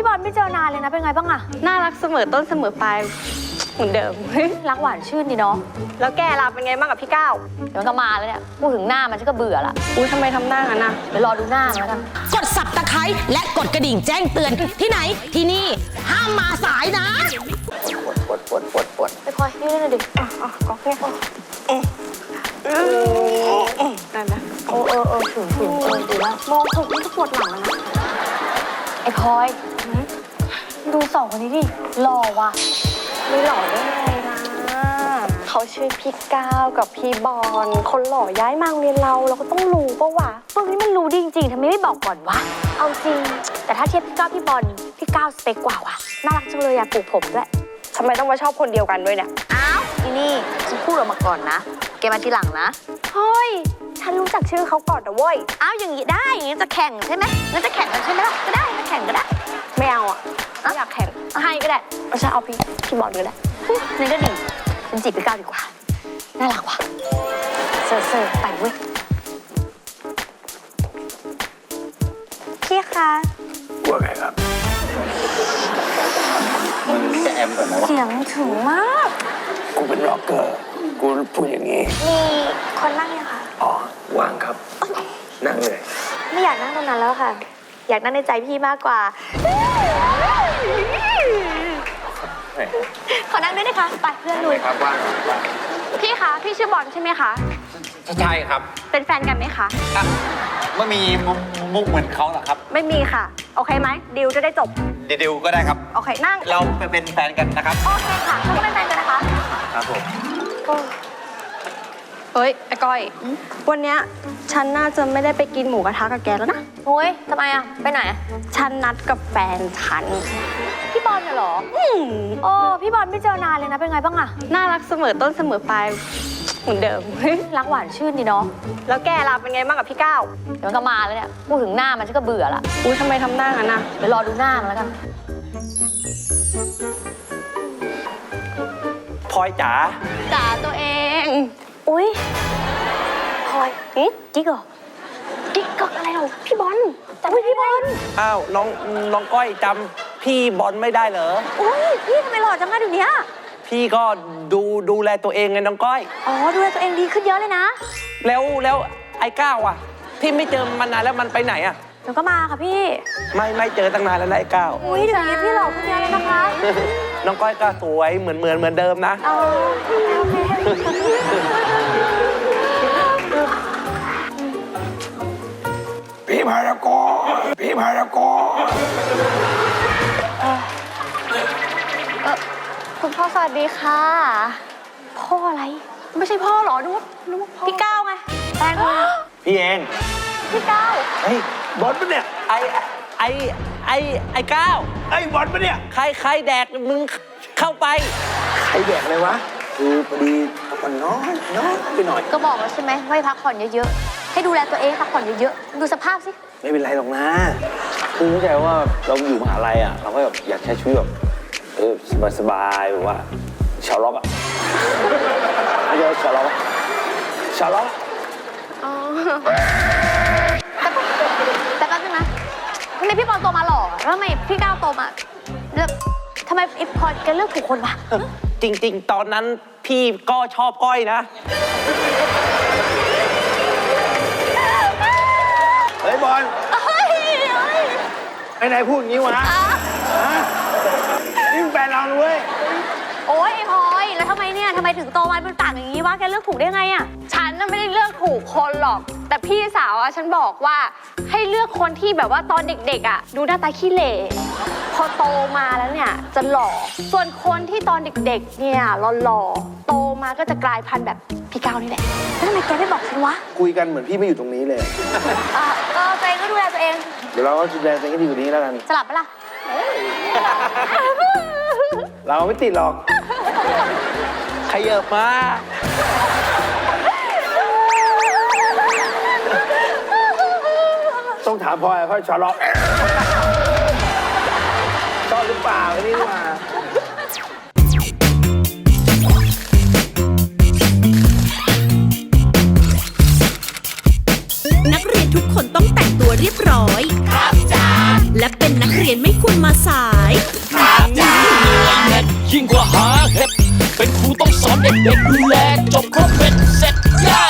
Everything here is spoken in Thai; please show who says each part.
Speaker 1: บอลไม่เจอนานเลยนะเป็นไงบ้างอะ
Speaker 2: น่ารักเสมอต้นเสมอปลายเหมือนเดิม
Speaker 1: รักหวานชื่นดีเนาะ
Speaker 2: แล้วแกล่ะเป็นไงบ้างกับพี่ก้าว
Speaker 1: เดี๋ยวมันก็มาแล้วเนี่ยพูดถึงหน้ามันฉันก็เบื่อละ
Speaker 2: อุ้ยทำไมทำหน้างั้นน่ะ
Speaker 1: เดี๋ยวรอดูหน้ามันแล้วกัน
Speaker 3: กดสับตะไคร้และกดกระดิ่งแจ้งเตือนที่ไหนที่นี่ห้ามมาสายนะ
Speaker 1: ปวดไปพลอยนี่เลยดิ
Speaker 2: ก๊อกเนี่ยได้ไหม
Speaker 1: ถึงดีแล้ว
Speaker 2: มองถูกมันจะปวดหลังแล้วนะ
Speaker 1: ไอ้พลอยดูสองคนนี้ดิหล่อว่ะ
Speaker 2: ไม่หล่อได้ไงนะเขาชื่อพี่ก้าวกับพี่บอลคนหล่อย้ายมาโรงเรียนเราก็ต้องรู้ปะวะ
Speaker 1: พวกนี้มันรู้ดีจริงๆทำไมไม่บอกก่อนวะเอาจริงแต่ถ้าเทียบพี่ก้าวพี่บอลพี่ก้าวสเปคกว่าว่ะน่ารักจังเลยอยากปลูกผมด้วย
Speaker 2: ทำไมต้องมาชอบคนเดียวกันด้วยเนี่ย
Speaker 1: อ้าวนี่ฉันพูดออกมาก่อนนะแกมาทีหลังนะ
Speaker 2: เฮ้ยฉันรู้จักชื่อเขาก่อนนะเว้ย
Speaker 1: อ้าวอย่างนี้ได้อย่างนี้จะแข่งใช่ไหมงั้นจะแข่งกันใช่ไหมล่ะก็ได้มาแข่งก็ได้
Speaker 2: ไม่เอาอ่ะไม่อยากแข่ง
Speaker 1: ให้ก็ได้
Speaker 2: ฉันเอาพี่บอลก็ได้
Speaker 1: นั่นก็ดีเป็นจีบพี่ก้าวดีกว่าน่ารักว่ะเซ่อไปเว้ย
Speaker 2: พี่คะ
Speaker 4: ว่าไงครับมึงจะแอมก่อนนะวะ
Speaker 1: เสียงถึงมาก
Speaker 4: กูเป็นร็อกเกอร์กูพูดอย่างนี้
Speaker 1: มีคนนั่งยังคะ
Speaker 4: อ๋อว่างครับนั่งเลย
Speaker 1: ไม่อยากนั่งตรงนั้นแล้วค่ะอยากนั่งในใจพี่มากกว่าขอนั่งด้วยนะคะไปเพื่อนลุย
Speaker 4: ครับว่าง
Speaker 2: พี่คะพี่ชื่อบอลใช่ไหมคะ
Speaker 4: ใช่ครับ
Speaker 2: เป็นแฟนกันไหมคะ
Speaker 4: ไม่มีมุกเหมือนเขาหรอครับ
Speaker 2: ไม่มีค่ะโอเคไหมดิวจะได้จบ
Speaker 4: ดิวก็ได้ครับ
Speaker 2: โอเคนั่ง
Speaker 4: เราเป็นแฟนกันนะครับ
Speaker 2: โอเคค่ะเราก็เป็นแฟนกันนะคะ
Speaker 4: ครับผม
Speaker 2: เฮ้ยไอ้ก้อยวันเนี้ยฉันน่าจะไม่ได้ไปกินหมูกระทะกับแกแล้วนะ
Speaker 1: โอ้ยทำไมอะไปไหน
Speaker 2: ฉันนัดกับแฟนฉัน
Speaker 1: พี่บอลเหรอโอ้พี่บอลไม่เจอนานเลยนะเป็นไงบ้างอะ
Speaker 2: น่ารักเสมอต้นเสมอปลายเหมือนเดิม
Speaker 1: รักหวานชื่นดีเนาะ
Speaker 2: แล้วแกล่ะเป็นไงบ้างกับพี่ก้าว
Speaker 1: เดี๋ยวมันก็มาแล้วเนี่ยพูดถึงหน้ามันฉันก็เบื่อละ
Speaker 2: อุ้ยทำไมทำหน้างั้นน่ะ
Speaker 1: เดี๋ยวรอดูหน้ามันแล้วกัน
Speaker 4: พลอยจ๋า
Speaker 2: ตัวเอง
Speaker 1: อุ้ยพลอยจิ๊กเหรอ
Speaker 2: กิ๊กก็อะไรเราพี่บอล
Speaker 1: อุ้ยพี่บอล
Speaker 4: อ้าวน้องก้อยจำพี่บอลไม่ได้เหรอ
Speaker 1: อุ้ยพี่ทำไมหล่อจังอะเดี๋ยวนี้
Speaker 4: พี่ก็ดูแลตัวเองไงน้องก้อย
Speaker 1: อ๋อดูแลตัวเองดีขึ้นเยอะเลยนะ
Speaker 4: แล้วไอ้ก้าวอ่ะพี่ไม่เจอมันนานแล้วมันไปไหนอ่ะ
Speaker 1: เดี๋ยวก็มาค่ะพี่
Speaker 4: ไม่เจอตั้งนานแล้วไอ้ก้าว
Speaker 1: อุ้ยเดี๋ยวนี้พี่หล่อขึ้นเยอะเลยนะคะ
Speaker 4: น้องก้อยก็สวยเหมือนเดิมนะ
Speaker 1: โอเค
Speaker 4: พี่พารากอน
Speaker 2: คุณพ่อสวัสดีค่ะ
Speaker 1: พ่ออะไร
Speaker 2: ไม่ใช่พ่อหรอนึกว่าพ่อ
Speaker 1: พี่ก้าวไงแฟน
Speaker 4: พี่เอง
Speaker 2: พี่ก้าว
Speaker 4: เฮ้ยบอลปะเนี่ยไอ้ก้าวไอ้บอลปะเนี่ยใครแดกมึงเข้าไปใครแดกเลยวะคือพอดีพักผ่อนน้อยไปหน่อย
Speaker 1: ก็บอกแล้วใช่ไหมให้พักผ่อนเยอะๆให้ดูแลตัวเองพักผ่อนเยอะๆดูสภาพสิ
Speaker 4: ไม่เป็นไรหรอกนะคือเข้าใจว่าเราอยู่มหาลัยอ่ะเราก็แบบอยากใช้ชีวิตแบบสบายแบบว่าชาวล็อกอ่ะไม่ใช่ชาวล็อก
Speaker 1: อ๋อแต่แป๊บนึงนะทำไมพี่บอลโตมาหล่อแล้วทำไมพี่ก้าวโตมาแล้วทำไมไอ้พอแกเลือกถูกคนวะ
Speaker 4: จริงๆตอนนั้นพี่ก็ชอบก้อยนะเฮ้ยบอลไอ้ไหนพูดงี้วะนี่แฟนเราด้วย
Speaker 1: โอ๊ยไอ้พลอยแล้วทำไมถึงโตมาเป็นปากอย่างนี้วะแกเลือกถูกได้ไงอะ
Speaker 2: ฉันน่ะไม่ได้เลือกถูกคนหรอกแต่พี่สาวอะฉันบอกว่าให้เลือกคนที่แบบว่าตอนเด็กๆอะดูหน้าตาขี้เหร่พอโตมาแล้วเนี่ยจะหล่อส่วนคนที่ตอนเด็กๆเนี่ยหล่อโตมาก็จะกลายพันธุ์แบบพี่ก้าวนี่แหละ
Speaker 1: แล้วทำไมแกไม่บอกฉันวะ
Speaker 4: คุยกันเหมือนพี่ไม่อยู่ตรงนี้เลย
Speaker 1: ตัวเองก็ดูแลตัวเอง
Speaker 4: เดี๋ยวเราก็ดูแลตัวเองให้ดีกว่านี้แล้วกัน
Speaker 1: สลับปะล่ะ
Speaker 4: เราไม่ติดหรอกขยับมาต้องถามพ่อชอล็อกชอบหรือเปล่านี่มา
Speaker 3: นักเรียนทุกคนต้องแต่งตัวเรียบร้อยครับจ้าและเป็นนักเรียนไม่ควร
Speaker 5: มาสาย
Speaker 6: ยิ่งกว่าหาเห็ดเป็นครูต้องสอนเด็กๆดูแลจบครบเป็นเสร็จย่า